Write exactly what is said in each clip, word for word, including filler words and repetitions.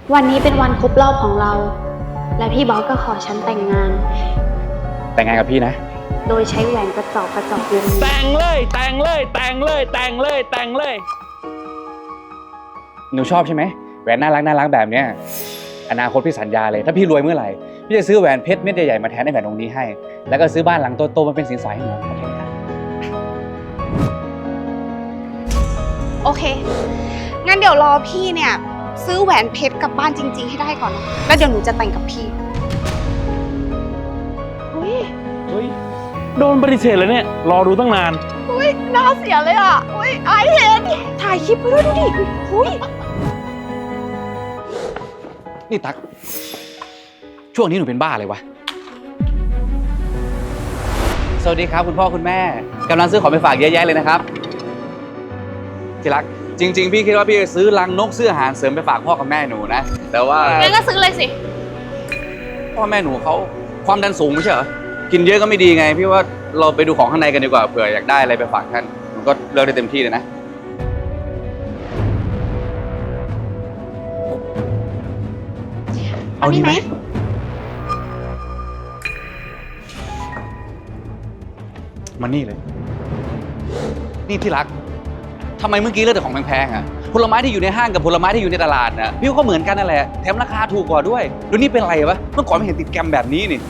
วันนี้เป็นวันครบรอบของเรา และพี่บอสก็ขอฉันแต่งงานแต่งงานกับพี่นะโดยใช้แหวนกระจอกกระจอกวงนี้แต่งเลยแต่งเลยแต่งเลยแต่งเลยแต่งเลยหนูชอบใช่ไหมแหวนน่ารักน่ารักแบบเนี้ยอนาคตพี่สัญญาเลยถ้าพี่รวยเมื่อไหร่พี่จะซื้อแหวนเพชรเม็ดใหญ่ๆมาแทนในแหวนวงนี้ให้แล้วก็ซื้อบ้านหลังโตๆมาเป็นสินสอดให้หนูโอเคไหมครับโอเค งั้นเดี๋ยวรอพี่เนี่ยซื้อแหวนเพชรกลับบ้านจริงๆให้ได้ก่อนนะแล้วเดี๋ยวหนูจะแต่งกับพี่อุ้ยเฮ้ยโดนปฏิเสธเลยเนี่ยรอดูตั้งนานอุ้ยน่าเสียเลยอ่ะอุ้ยไอเห็นถ่ายคลิปไปด้วยดูดิอุ้ยนี่ตั๊กช่วงนี้หนูเป็นบ้าเลยวะสวัสดีครับคุณพ่อคุณแม่กำลังซื้อของไปฝากเยอะแยะเลยนะครับที่รักจริงๆพี่คิดว่าพี่จะซื้อลังนกซื้ออาหารเสริมไปฝากพ่อกับแม่หนูนะแต่ว่างั้นก็ซื้อเลยสิพ่อแม่หนูเขาความดันสูงไม่ใช่เหรอกินเยอะก็ไม่ดีไงพี่ว่าเราไปดูของข้างในกันดีกว่าเผื่ออยากได้อะไรไปฝากท่านหนูก็เลือกได้เต็มที่เลยนะเอาดีไหมมานี่เลยนี่ที่รักทำไมเมื่อกี้เลือกแต่ของแพงๆอ่ะผลไม้ที่อยู่ในห้างกับผลไม้ที่อยู่ในตลาดน่ะพี่ก็เหมือนกันนั่นแหละแถมราคาถูกกว่าด้วยดูนี่เป็นไรวะเมื่อก่อนไม่เห็นติดแกรมแบบนี้นี่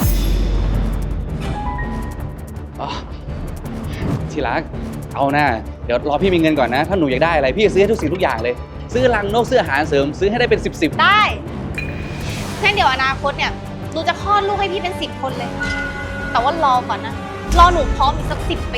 อ๋อที่รักเอาหน้าเดี๋ยวรอพี่มีเงินก่อนนะถ้าหนูอยากได้อะไรพี่จะซื้อให้ทุกสิ่งทุกอย่างเลยซื้อลังนกซื้ออาหารเสริมซื้อให้ได้เป็นสิบสิบได้งั้นเดี๋ยวอนาคตเนี่ยหนูจะคลอดลูกให้พี่เป็นสิบคนเลย แต่ว่ารอก่อนนะรอหนูพร้อมอีกสักสิบปี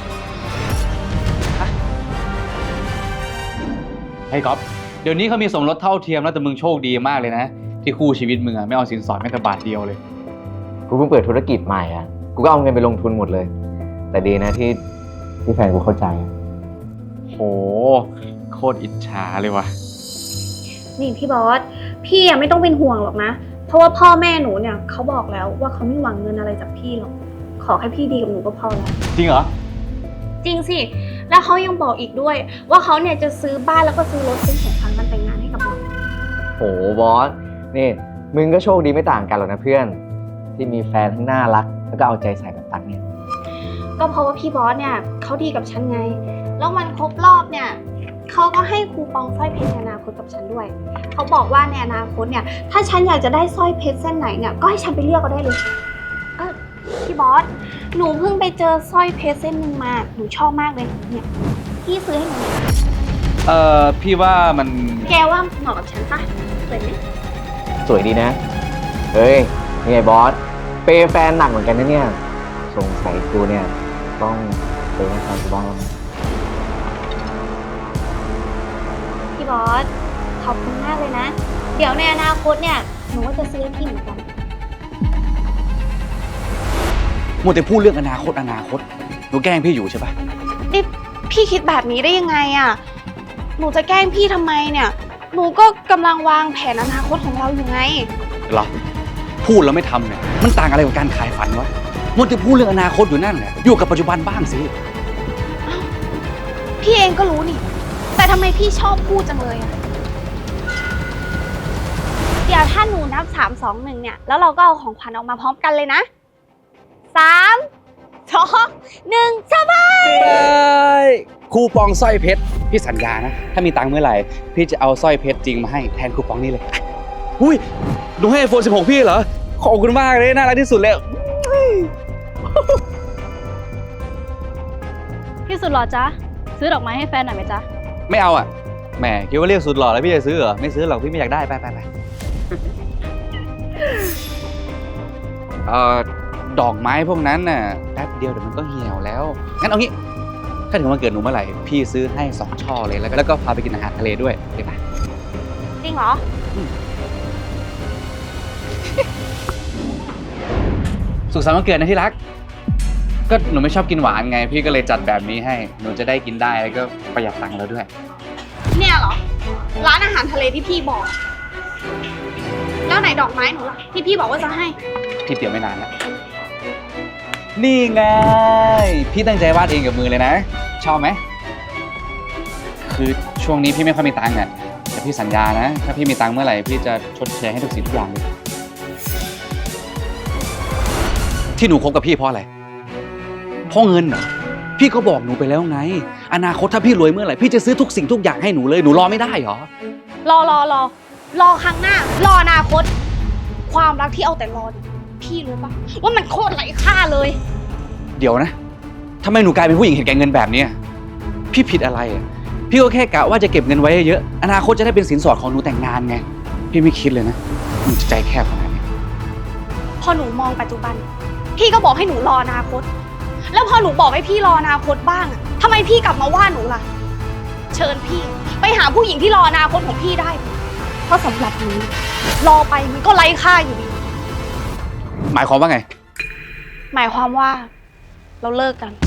ไอ้ก๊อฟเดี๋ยวนี้เขามีสมรสเท่าเทียมแล้วแต่มึงโชคดีมากเลยนะที่คู่ชีวิตมึงอะไม่เอาสินสอดแม้แต่บาทเดียวเลยกูเพิ่งเปิดธุรกิจใหม่อ่ะ กูก็เอาเงินไปลงทุนหมดเลย แต่ดีนะที่ที่แฟนกูเข้าใจโหโคตรอิจฉาเลยว่ะนี่พี่บอส พี่อะไม่ต้องเป็นห่วงหรอกนะ เพราะว่าพ่อแม่หนูเนี่ยเขาบอกแล้วว่าเขาไม่หวังเงินอะไรจากพี่หรอก ขอแค่พี่ดีกับหนูก็พอแล้วจริงเหรอจริงสิ แล้วเขายังบอกอีกด้วย ว่าเขาเนี่ยจะซื้อบ้านแล้วก็ซื้อรถเป็นของขวัญวันแต่งงานให้กับเราโหบอส นี่ มึงก็โชคดีไม่ต่างกันหรอกนะเพื่อน ที่มีแฟนทั้งน่ารัก แล้วก็เอาใจใส่แบบตักเนี่ยก็เพราะว่าพี่บอสเนี่ยเขาดีกับฉันไง แล้ววันครบรอบเนี่ยเขาก็ให้คูปองสร้อยเพชรในอนาคตกับฉันด้วย เขาบอกว่าในอนาคตเนี่ยถ้าฉันอยากจะได้สร้อยเพชรเส้นไหนเนี่ยก็ให้ฉันไปเลือกก็ได้เลยเออพี่บอส หนูเพิ่งไปเจอสร้อยเพชรเส้นหนึ่งมา หนูชอบมากเลย เนี่ยพี่ซื้อให้หนูหน่อยเอ่อพี่ว่ามันแกว่าเหมาะกับฉันปะสวยไหมสวยดีนะ เฮ้ยนี่ไงบอส เปย์แฟนหนักเหมือนกันนะเนี่ย สงสัยกูเนี่ยต้องเปย์ให้แฟนกูบ้างแล้วมั้งพี่บอส ขอบคุณมากเลยนะ เดี๋ยวในอนาคตเนี่ยหนูก็จะซื้อให้พี่เหมือนกันมัวแต่พูดเรื่องอนาคตอนาคตหนูแกล้งพี่อยู่ใช่ปะนี่พี่คิดแบบนี้ได้ยังไงอ่ะ หนูจะแกล้งพี่ทำไมเนี่ย หนูก็กำลังวางแผนอนาคตของเราอยู่ไงเหรอพูดแล้วไม่ทำเนี่ยมันต่างอะไรกับการขายฝันวะมัวแต่พูดเรื่องอนาคตอยู่นั่นแหละอยู่กับปัจจุบันบ้างสิพี่เองก็รู้นี่ แต่ทำไมพี่ชอบพูดจังเลยอะเดี๋ยวถ้าหนูนับสามสองหนึ่งเนี่ย แล้วเราก็เอาของขวัญออกมาพร้อมกันเลยนะสามสองหนึ่งสบายคูปองสร้อยเพชรพี่สัญญานะถ้ามีตังค์เมื่อไหร่พี่จะเอาสร้อยเพชรจริงมาให้แทนคูปองนี้เลยอุ้ยหนูให้ไอโฟนสิบหกพี่เหรอขอบคุณมากเลยน่ารักที่สุดเลยพี่สุดหล่อจ๊ะ ซื้อดอกไม้ให้แฟนหน่อยไหมจ๊ะไม่เอาอ่ะแหมคิดว่าเรียกสุดหล่อแล้วพี่จะซื้อเหรอไม่ซื้อหรอกพี่ไม่อยากได้ไปไปไปเอ่อดอกไม้พวกนั้นน่ะแป๊บเดียวเดี๋ยวมันก็เหี่ยวแล้วงั้นเอางี้ถ้าถึงวันเกิดหนูเมื่อไหร่พี่ซื้อให้สองช่อเลยแล้วก็แล้วก็พาไปกินอาหารทะเลด้วยโอเคปะจริงเหรอสุขสันต์วันเกิดนะที่รักก็หนูไม่ชอบกินหวานไงพี่ก็เลยจัดแบบนี้ให้หนูจะได้กินได้แล้วก็ประหยัดตังค์แล้วด้วยเนี่ยเหรอ ร้านอาหารทะเลที่พี่บอก แล้วไหนดอกไม้หนูล่ะที่พี่บอกว่าจะให้พี่เตรียมไม่นานแล้วนี่ไงพี่ตั้งใจวาดเองกับมือเลยนะชอบไหมคือช่วงนี้พี่ไม่ค่อยมีตังค์อ่ะแต่พี่สัญญานะ ถ้าพี่มีตังค์เมื่อไหร่พี่จะชดเชยให้ทุกสิ่งทุกอย่างเลย ที่หนูคบกับพี่เพราะอะไร เพราะเงินเหรอ พี่ก็บอกหนูไปแล้วไง อนาคตถ้าพี่รวยเมื่อไหร่พี่จะซื้อทุกสิ่งทุกอย่างให้หนูเลย หนูรอไม่ได้เหรอรอรอรอรอครั้งหน้า รออนาคต ความรักที่เอาแต่รอเนี่ยพี่รู้ปะว่ามันโคตรไร้ค่าเลยเดี๋ยวนะทำไมหนูกลายเป็นผู้หญิงเห็นแก่เงินแบบเนี้ยพี่ผิดอะไรอ่ะ พี่ก็แค่กะว่าจะเก็บเงินไว้เยอะ อนาคตจะได้เป็นสินสอดของหนูแต่งงานไง พี่ไม่คิดเลยนะหนูจะใจแคบขนาดนี้พอหนูมองปัจจุบัน พี่ก็บอกให้หนูรออนาคต แล้วพอหนูบอกให้พี่รออนาคตบ้างอะทำไมพี่กลับมาว่าหนูล่ะ เชิญพี่ไปหาผู้หญิงที่รออนาคตของพี่ได้ เพราะสำหรับหนูรอไปมันก็ไร้ค่าอยู่ดีหมายความว่าไงหมายความว่าเราเลิกกัน